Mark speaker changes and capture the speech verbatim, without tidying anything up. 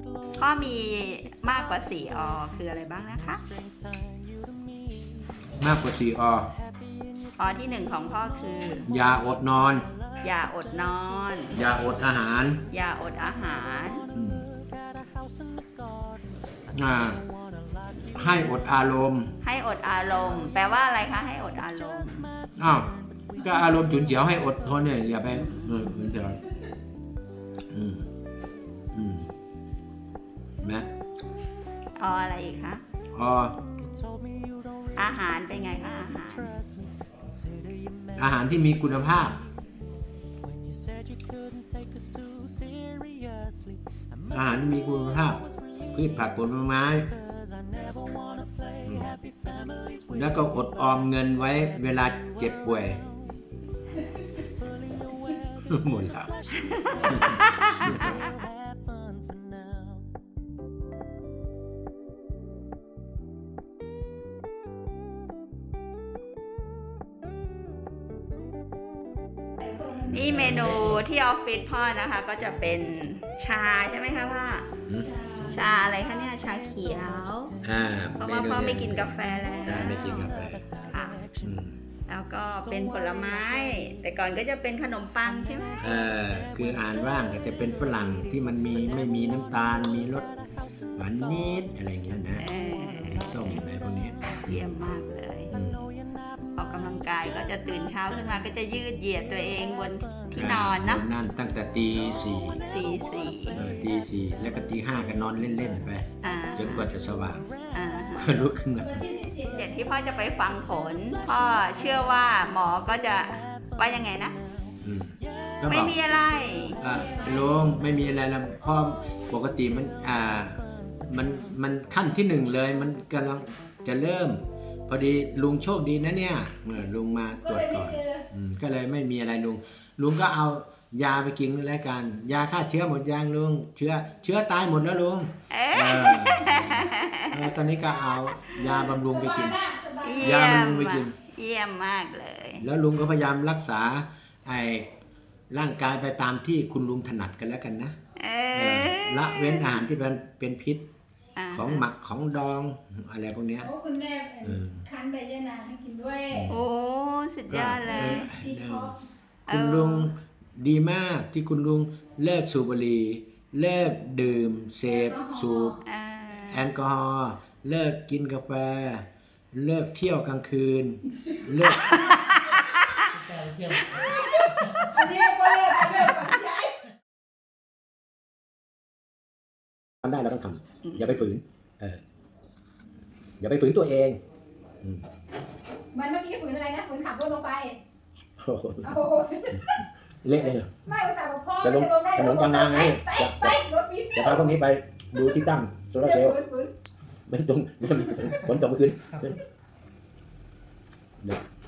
Speaker 1: ข้อมีมากกว่าสี่อคืออะไรบ้างนะคะ
Speaker 2: มากกว่าสี่อ
Speaker 1: อที่หนึ่งของพ่อคือ
Speaker 2: อย่าอดนอน
Speaker 1: อย่าอดนอน
Speaker 2: อย่าอดอาหาร
Speaker 1: อย่าอดอาหาร
Speaker 2: อืมอ่าให้อดอารมณ์
Speaker 1: ให้อดอารมณ์ แปลว่าอะไรคะให้อดอารมณ์
Speaker 2: อ้าวก็อารมณ์ฉุนเฉียวให้อดทนเนี่ยอย่าไปเออฉุนเฉียวอืมอืมนะ
Speaker 1: ออะไรอีกคะ
Speaker 2: อ๋อ
Speaker 1: อาหารเป็นไงคะอาหาร
Speaker 2: อาหารที่มีคุณภาพ อาหารที่มีคุณภาพพืชผักผลไม้อืมแล้วก็อดออมเงินไว้เวลาเจ็บป่วยหมดแล้ว
Speaker 1: นี่เมนูที่ออฟฟิศพ่อนะคะ ก็จะเป็นชาใช่ไหมคะพ่อ
Speaker 2: อืม
Speaker 1: ชาอะไรคะเนี่ยชาเขียว
Speaker 2: อ่า
Speaker 1: เพราะว่าพ่อไม่กินกาแฟแล้ว
Speaker 2: ใช่ไม่กินกาแฟ
Speaker 1: ค่ะ
Speaker 2: อืม
Speaker 1: แล้วก็เป็นผลไม้ แต่ก่อนก็จะเป็นขนมปังใช่ไหม
Speaker 2: เอ่อคืออาหารว่างก็จะเป็นฝรั่งที่มันมีไม่มีน้ำตาลมีรสหวานนิดอะไรเงี้ยนะ
Speaker 1: เออ
Speaker 2: ส้มอะไรพวกนี้
Speaker 1: เยี่ยมมากเลย
Speaker 2: อืม
Speaker 1: ออกกำลังกายก็จะตื่นเช้าขึ้นมาก็จะยืดเหยียดตัวเองบนที่นอนเนาะ
Speaker 2: นั่นตั้งแต่ตีสี่
Speaker 1: ตีสี่
Speaker 2: เออตีสี่แล้วก็ตีห้าก็นอนเล่นๆไป
Speaker 1: อ่า
Speaker 2: จนกว่าจะสว่าง
Speaker 1: อ่า
Speaker 2: ก็ลุกขึ้นมา
Speaker 1: เดี๋ยวที่พ่อจะไปฟังผล พ่อเชื่อว่าหมอก็จะว่ายังไงนะ
Speaker 2: อืมก็บ
Speaker 1: ไม่
Speaker 2: อก
Speaker 1: มีอะไร
Speaker 2: อ่าลุงไม่มีอะไรแล้วพ่อปกติมันอ่ามันมันขั้นที่หนึ่งเลยมันกำลังจะเริ่ม พอดีลุงโชคดีนะเนี่ยเออลุงมาตรวจก่อนอืมก็เลยไม่มีอะไรลุงลุงก็เอายาไปกินแล้วกันยาฆ่าเชื้อหมดยังลุงเชื้อเชื้อตายหมดแล้วลุง
Speaker 1: เอ๊ะ
Speaker 2: เออเออตอนนี้ก็เอายาบำรุงไปกิน
Speaker 1: เยี่
Speaker 2: ยาย
Speaker 1: ม
Speaker 2: บำรุงไปกิน
Speaker 1: เยี่ยมมากเลย
Speaker 2: แล้วลุงก็พยายามรักษาไอ้ร่างกายไปตามที่คุณลุงถนัดกันแล้วกันนะ
Speaker 1: เอ
Speaker 2: เออ
Speaker 1: อ
Speaker 2: ละเว้นอาหารที่เป็นเป็นพิษ
Speaker 1: า
Speaker 2: ของหมักของดองอะไรพวกเนี้ย
Speaker 3: โอ้คุณแม่
Speaker 2: เออ
Speaker 3: คั้นใบยะนางให้กินด้วย
Speaker 1: โอ้สุดยอดเลย
Speaker 3: ดีท็อกซ์
Speaker 2: คุณลุงดีมากที่คุณลุงเลิกสูบบุหรี่เลิกดื่มเสพสูบ
Speaker 1: อ่า
Speaker 2: แอลกอฮอล์เลิกกินกาแฟ เลิกเที่ยวกลางคืน เลิก
Speaker 3: อันนี้ก็เลิกเลิกกับพี่ใหญ่
Speaker 2: ทำได้เราต้องทำอย่าไปฝืนเอออย่าไปฝืนตัวเองอืม
Speaker 3: มันเมื่อกี้ฝืนอะไรนะฝืนขับรถลงไป
Speaker 2: โอ้โห
Speaker 3: โอ้โห
Speaker 2: เละเลยเหรอ
Speaker 3: ไม่อุตส่าห์บอกพ่อ
Speaker 2: จะลง
Speaker 3: ได้
Speaker 2: ถนนกลางนาไง
Speaker 3: ไปไปรถฟรี
Speaker 2: จะพาพวกนี้ไปดูที่ตั้งโซลาร์เซลล์
Speaker 3: ฝืนฝืน
Speaker 2: ไม่ตรงฝนตกเมื่อคืนเดี๋ยว